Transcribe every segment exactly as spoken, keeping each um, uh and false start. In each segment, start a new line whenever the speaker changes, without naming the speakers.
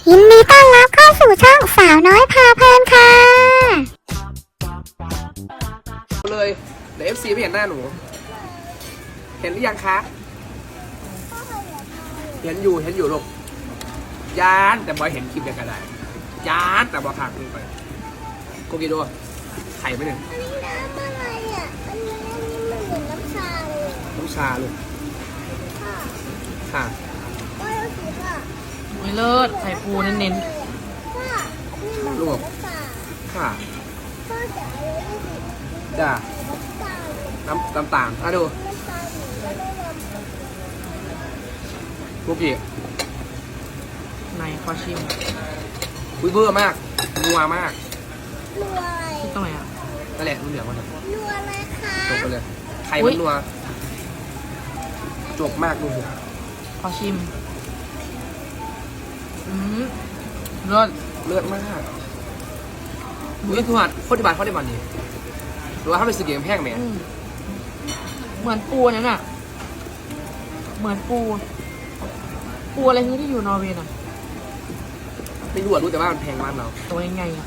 ยินดีต้อนรับเข้าสู่ช่องสาวน้อยพาเพลินค่ะ
เลยเดี๋ยวเอฟซีไม่เห็นหน้าหนูเห็นหรือยังคะเห็นอยู่เห็นอยู่ลูกยานแต่บอยเห็นคลิปเดียวกันได้ยานแต่บอยขาดลงไปโกกิโดไข่ไม่หนึ่ง
อันนี้น้ำอะไรอ่ะอันนี้อันนี้มันเหมือนน้ำชาเลย
น้ำชาลูก
ค่ะ
ค่ะ
ก็เอาสีค่ะ
ไม่เลิศไข่ปูเน้น
ค่ะนี่มันเหมือนน้ำชา
ค่ะ
พ่อจะเอาไว้ที่
จ้า
น้ำตาล
น้ำน้ำตาลอ่ะดู
น้ำตาลแล้วก็น้ำ
โกกิ
ๆในขอชิม
อุ้ยเบื่อมากนัวมาก
นัวอะไร
ที่ตรงไหนอ่ะ
นั่นแหละเหลืองมัน
นัวอะไรคะ
จบไปเลยไข่
อุ๊
มัน
ย
นัวจบมากดูสิ
ขอชิมอืมเลิศ
เลือดมากอุ้ยทุกคนโคตรที่บ้านเขาได้บ้านนี้หรือว่าเขาไปซื้อเกมแพงไหม
อืมเหมือนปูนั่นน่ะเหมือนปูปูอะไรที่อยู่นอร์เวย์น่ะ
ไม่รู้อะรู้แต่ว่ามันแพงบ้านเรา
ตัวยังไงอ่ะ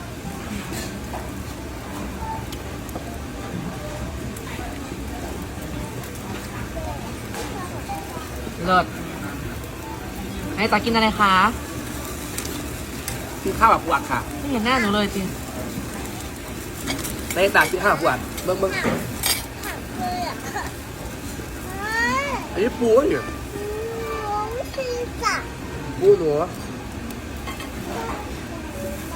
เลิศไอ้ตากินอะไรคะ
กินข้าวแบบปวดค่ะ
ไม่เห็นหน้าหนูเลยจริง
ในตากกินข้าวแบบปวดเบิ้งเบิ้ง
ผักเลยอ่ะค่ะ
อันนี้ปูอยู่
น้องชีจ้ะ
ปูหนู
ไหน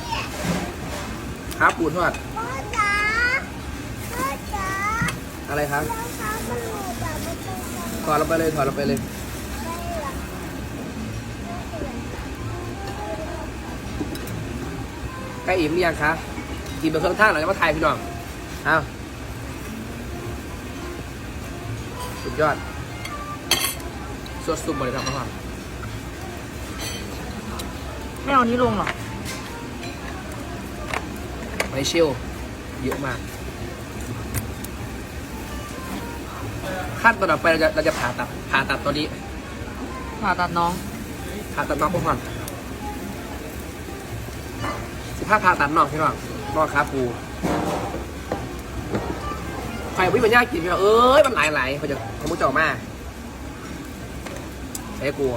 ครับปูทอด
พ่อจ๋าพ่อจ๋า
อะไรครับ
รองเท้ามันหลุดอ่ะมันเป็นยังไง
ถอดลงไปเลยถอดลงไปเลย
ล่ะ
ใกล้อิ่มหรือยังคะกินไปเครื่องท่าหน่อยแล้วมาถ่ายพี่น้องอ้าวสุดยอดสดสุดบริการมาก
ไม่เอานี้ลงหรอ
ไม่เชี่ยวเยอะมากขั้นตอนต่อไปเราจะเราจะผ่าตัดผ่าตัดตัวนี้
ผ่าตัดน้อง
ผ่าตัดน้องพวกมันสิบห้าผ่าตัดน้องพี่น้องน้องขาปูไฟวิ่งมันยากกินพี่น้องเอ้ยมันหลายหลายเขาจะเขามุดจ่อมากใช้กลัว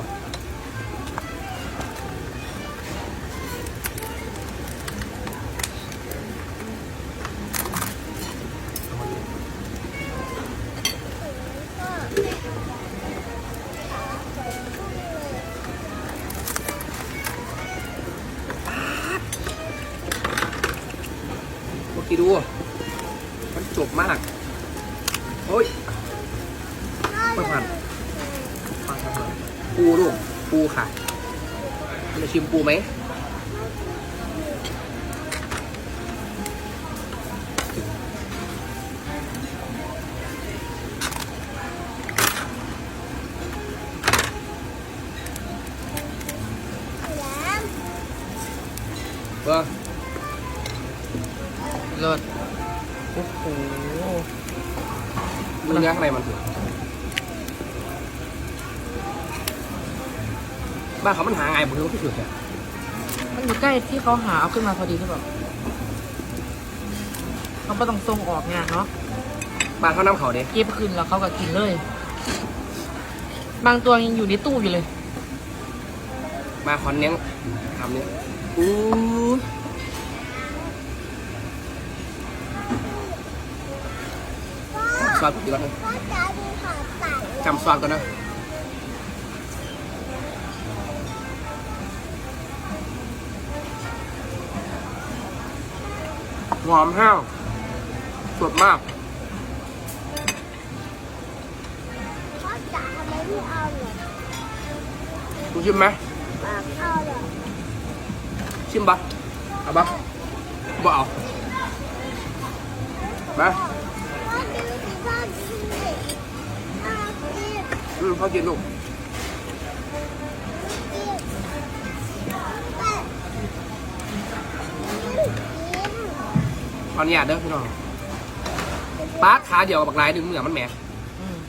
เมื่อกี้ดูมันจบมากโอ้ยไม่ผ่านผ่านผ่านปูลูกปูค่ะคุณจะชิมปูไหมเออ
เลิศโอ้โห
ดูเนื้อข้างในมันเถอะบ้านเขามันหาไงผมรู้ที่สุดเนี่ย
มันอยู่ใกล้ที่เขาหาเอาขึ้นมาพอดีหรือเปล่าเขาไม่ต้องส่งออกงานเนาะ
บ้านเขาน้ำเขาเด็ก
เก็บขึ้นแล้วเขาก็กินเลย บางตัวยังอยู่ในตู้อยู่เลย
มาคอนเนี้ยทำเนี้ยอู้ซอสกี่รสนะ
พ่อจ๋าดูผ่าตัด
จำซอสก่อนนะหอมแห้วสดมาก
พ่อจ๋าทำไมไม่เอาเหรอ
ดูชิมไหม
ไม่เอาเหรอ
ชิมปะเอาปะบ่เอามา
พ่อดูสิพ่อดูสิพ่อกิน
อืมพอกินลูก
กินแต่
ตอนนี้อ่ะเด้อพี่น้องป้าขาเดียวกับบักลายดึงเหนือมันแหม
อืม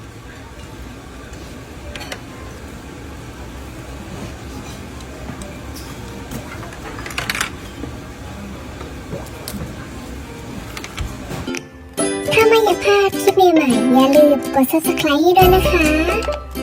ช
ใหม่ๆอย่าลืมกด ซับสไครบ์ ให้ด้วยนะคะ